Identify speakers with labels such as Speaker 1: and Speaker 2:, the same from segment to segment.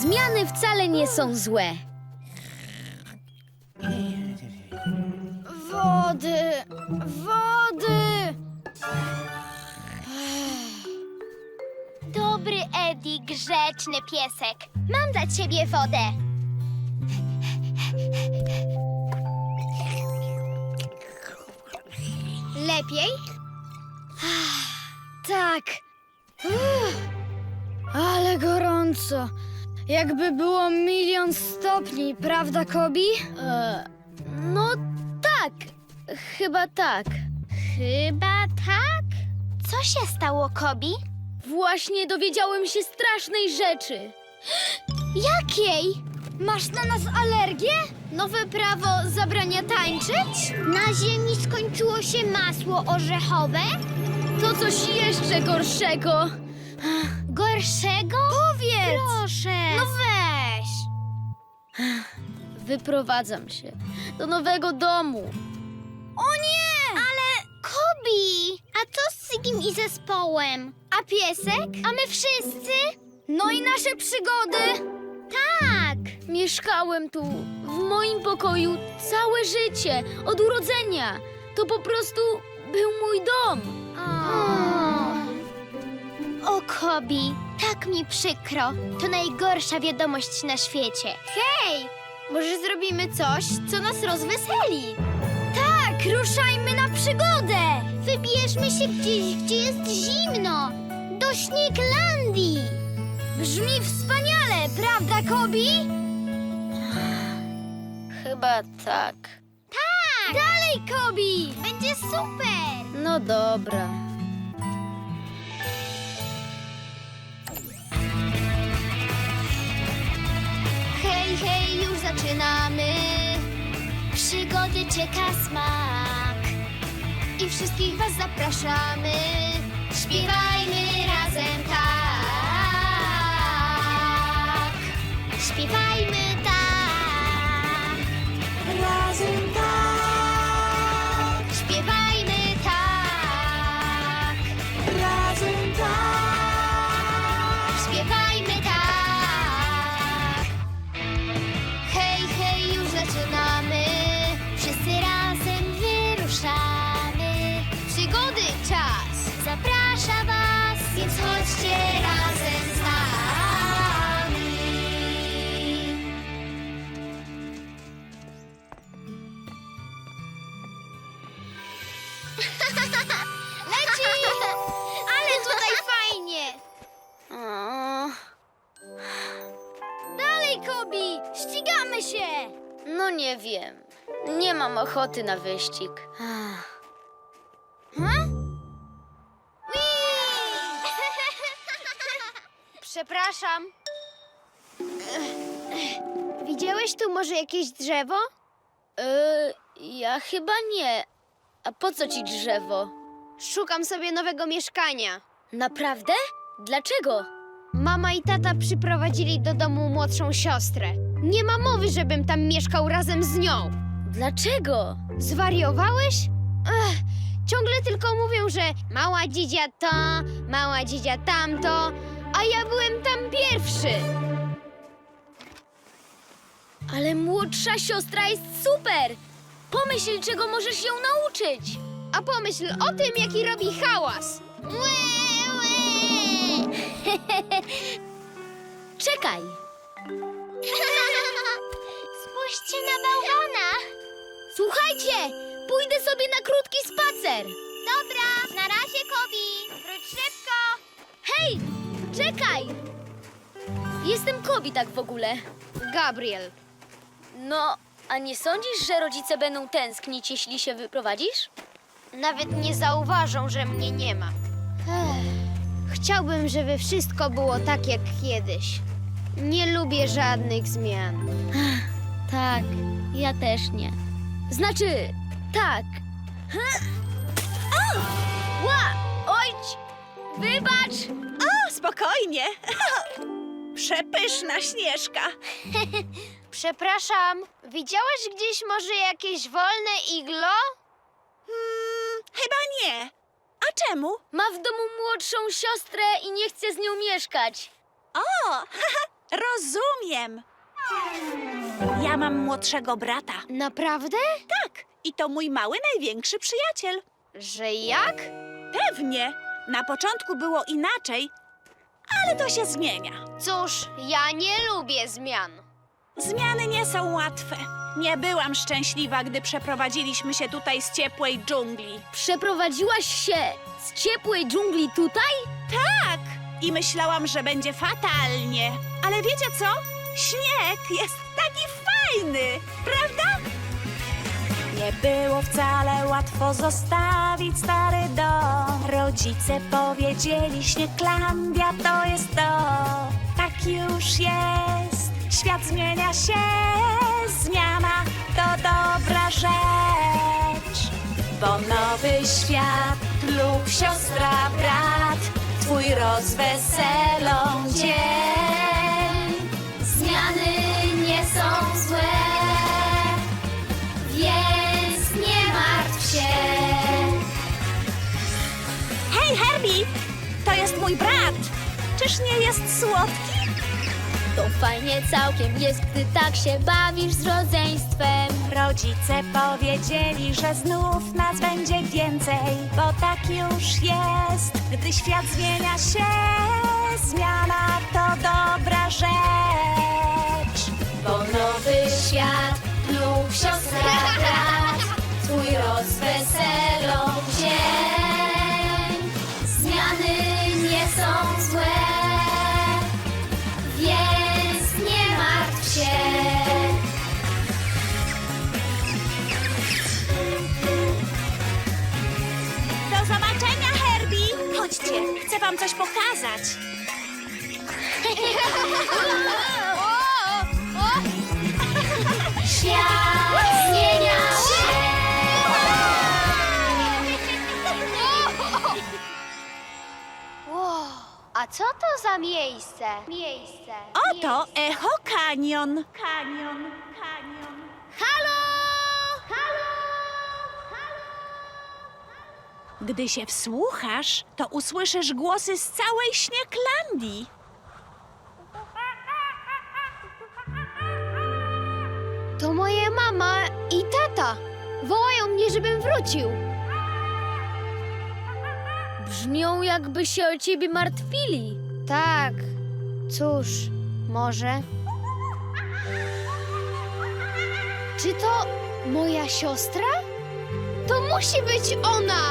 Speaker 1: Zmiany wcale nie są złe. Wody, wody!
Speaker 2: Dobry Eddie, grzeczny piesek. Mam dla ciebie wodę. Lepiej?
Speaker 1: Tak. Ale gorąco. Jakby było 1 000 000 stopni, prawda, Kobi? No tak. Chyba tak.
Speaker 2: Chyba tak. Co się stało, Kobi?
Speaker 1: Właśnie dowiedziałem się strasznej rzeczy.
Speaker 2: Jakiej?
Speaker 1: Masz na nas alergię? Nowe prawo zabrania tańczyć?
Speaker 2: Na ziemi skończyło się masło orzechowe?
Speaker 1: To coś jeszcze gorszego.
Speaker 2: Gorszego?
Speaker 1: Powiedz!
Speaker 2: Proszę.
Speaker 1: No weź! Wyprowadzam się do nowego domu. O nie!
Speaker 2: Ale Kobi, a co z Sigim i zespołem?
Speaker 1: A piesek?
Speaker 2: A my wszyscy?
Speaker 1: No i nasze przygody.
Speaker 2: Tak.
Speaker 1: Mieszkałem tu, w moim pokoju, całe życie, od urodzenia. To po prostu był mój dom.
Speaker 2: O, Kobi, tak mi przykro. To najgorsza wiadomość na świecie.
Speaker 1: Hej, może zrobimy coś, co nas rozweseli? Tak, ruszajmy na przygodę.
Speaker 2: Wybierzmy się gdzieś, gdzie jest zimno. Do Śnieglandii.
Speaker 1: Brzmi wspaniale, prawda, Kobi? Chyba tak.
Speaker 2: Tak.
Speaker 1: Dalej, Kobi!
Speaker 2: Będzie super.
Speaker 1: No dobra.
Speaker 2: Hej, hej, już zaczynamy. Przygody czeka smak. I wszystkich was zapraszamy. Śpiewajmy razem tak. Śpiewajmy tak. Razem tak. Śpiewajmy tak. Razem tak. Śpiewajmy tak. Hej, hej, już zaczynamy. Wszyscy razem wyruszamy. Przygody czas zaprasza was, więc chodźcie razem z nami. Leci! Ale tutaj fajnie!
Speaker 1: Dalej, Kobi! Ścigamy się! No nie wiem. Nie mam ochoty na wyścig.
Speaker 2: Przepraszam. Widziałeś tu może jakieś drzewo?
Speaker 1: Ja chyba nie. A po co ci drzewo?
Speaker 2: Szukam sobie nowego mieszkania.
Speaker 1: Naprawdę? Dlaczego?
Speaker 2: Mama i tata przyprowadzili do domu młodszą siostrę. Nie ma mowy, żebym tam mieszkał razem z nią.
Speaker 1: Dlaczego?
Speaker 2: Zwariowałeś? Ciągle tylko mówią, że mała dzidzia to, mała dzidzia tamto, a ja byłem tam pierwszy.
Speaker 1: Ale młodsza siostra jest super! Pomyśl, czego możesz ją nauczyć!
Speaker 2: A pomyśl o tym, jaki robi hałas.
Speaker 1: Czekaj!
Speaker 2: Spójrzcie na bałwana.
Speaker 1: Słuchajcie! Pójdę sobie na krótki spacer!
Speaker 2: Dobra, na razie, Kobi. Wróć szybko.
Speaker 1: Hej! Czekaj! Jestem Kobi tak w ogóle.
Speaker 2: Gabriel.
Speaker 1: No, a nie sądzisz, że rodzice będą tęsknić, jeśli się wyprowadzisz?
Speaker 2: Nawet nie zauważą, że mnie nie ma. Chciałbym, żeby wszystko było tak jak kiedyś. Nie lubię żadnych zmian.
Speaker 1: Tak, ja też nie. Znaczy, tak. Ła! Ojć! Wybacz!
Speaker 3: O, spokojnie. Przepyszna Śnieżka.
Speaker 2: Przepraszam, widziałaś gdzieś może jakieś wolne iglo?
Speaker 3: Chyba nie. A czemu?
Speaker 1: Ma w domu młodszą siostrę i nie chce z nią mieszkać.
Speaker 3: O, Rozumiem. Ja mam młodszego brata.
Speaker 2: Naprawdę?
Speaker 3: Tak, i to mój mały, największy przyjaciel.
Speaker 2: Że jak?
Speaker 3: Pewnie. Na początku było inaczej, ale to się zmienia.
Speaker 2: Cóż, ja nie lubię zmian.
Speaker 3: Zmiany nie są łatwe. Nie byłam szczęśliwa, gdy przeprowadziliśmy się tutaj z ciepłej dżungli.
Speaker 1: Przeprowadziłaś się z ciepłej dżungli tutaj?
Speaker 3: Tak! I myślałam, że będzie fatalnie. Ale wiecie co? Śnieg jest taki fajny, prawda? Nie było wcale łatwo zostawić stary dom. Rodzice powiedzieli, Śnieglandia to jest to. Tak już jest, świat zmienia się. Zmiana to dobra rzecz. Bo nowy świat lub siostra, brat, twój rozweselą dzień. Zmiany nie są złe, więc nie martw się. Hej, Herbie! To jest mój brat! Czyż nie jest słodki?
Speaker 1: To fajnie całkiem jest, gdy tak się bawisz z rodzeństwem.
Speaker 3: Rodzice powiedzieli, że znów nas będzie więcej, bo tak już jest, gdy świat zmienia się. Zmiana to dobra rzecz. Bo nowy świat lub siostra, brat, twój rozweselą dzień. Zmiany nie są złe, więc nie martw się. Do zobaczenia, Herbie! Chodźcie, chcę wam coś pokazać. Świat zmienia się!
Speaker 2: Wow, a co to za miejsce?
Speaker 3: Oto Echo Canyon. Canyon.
Speaker 2: Halo!
Speaker 3: Gdy się wsłuchasz, to usłyszysz głosy z całej Śnieglandii.
Speaker 2: To moje mama i tata. Wołają mnie, żebym wrócił.
Speaker 1: Brzmią, jakby się o ciebie martwili.
Speaker 2: Tak, cóż, może. Czy to moja siostra? To musi być ona!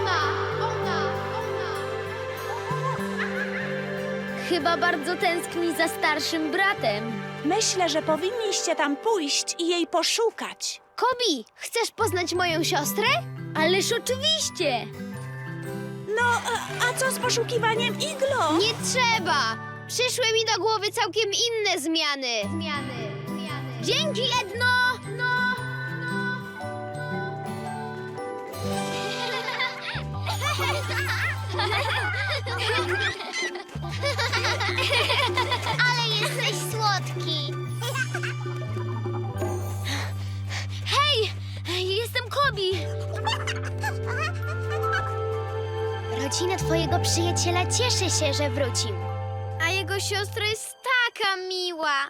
Speaker 1: Chyba bardzo tęskni za starszym bratem.
Speaker 3: Myślę, że powinniście tam pójść i jej poszukać.
Speaker 2: Kobi, chcesz poznać moją siostrę?
Speaker 1: Ależ oczywiście!
Speaker 3: No, a co z poszukiwaniem iglo?
Speaker 2: Nie trzeba! Przyszły mi do głowy całkiem inne zmiany.
Speaker 1: Dzięki, Edno!
Speaker 2: Ale jesteś słodki.
Speaker 1: Hej! Jestem Kobi!
Speaker 2: Rodzina twojego przyjaciela cieszy się, że wrócił.
Speaker 1: A jego siostra jest taka miła.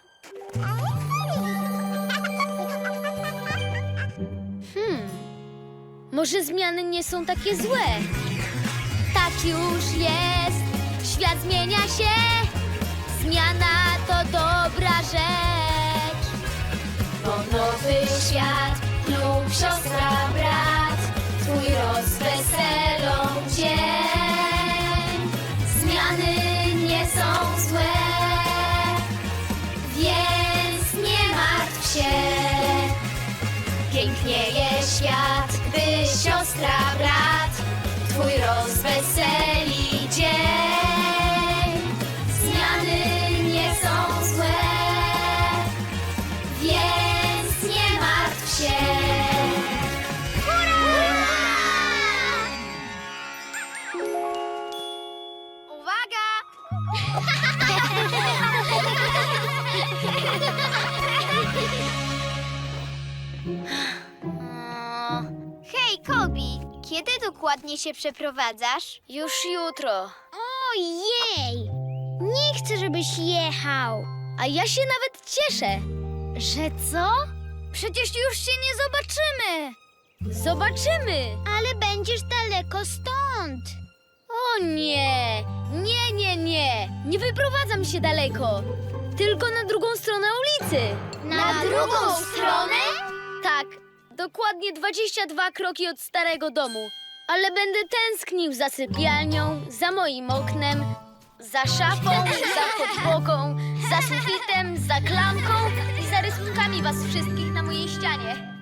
Speaker 1: Może zmiany nie są takie złe? Tak już jest, świat zmienia się. Zmiana to dobra rzecz. Bo nowy świat lub siostra, brat, twój rozweselą dzień. Zmiany nie są złe, więc nie martw się. Pięknieje świat, gdy siostra, brat, twój rozweseli dzień. Zmiany nie są złe, więc nie martw się.
Speaker 2: Uwaga! Hej, Kobi, kiedy dokładnie się przeprowadzasz?
Speaker 1: Już jutro.
Speaker 2: Ojej! Nie chcę, żebyś jechał.
Speaker 1: A ja się nawet cieszę. Że co? Przecież już się nie zobaczymy. Zobaczymy.
Speaker 2: Ale będziesz daleko stąd.
Speaker 1: O nie! Nie, nie, nie! Nie wyprowadzam się daleko. Tylko na drugą stronę ulicy.
Speaker 2: Na drugą stronę?
Speaker 1: Tak, dokładnie 22 kroki od starego domu. Ale będę tęsknił za sypialnią, za moim oknem, za szafą, za podłogą, za sufitem, za klamką i za rysunkami was wszystkich na mojej ścianie.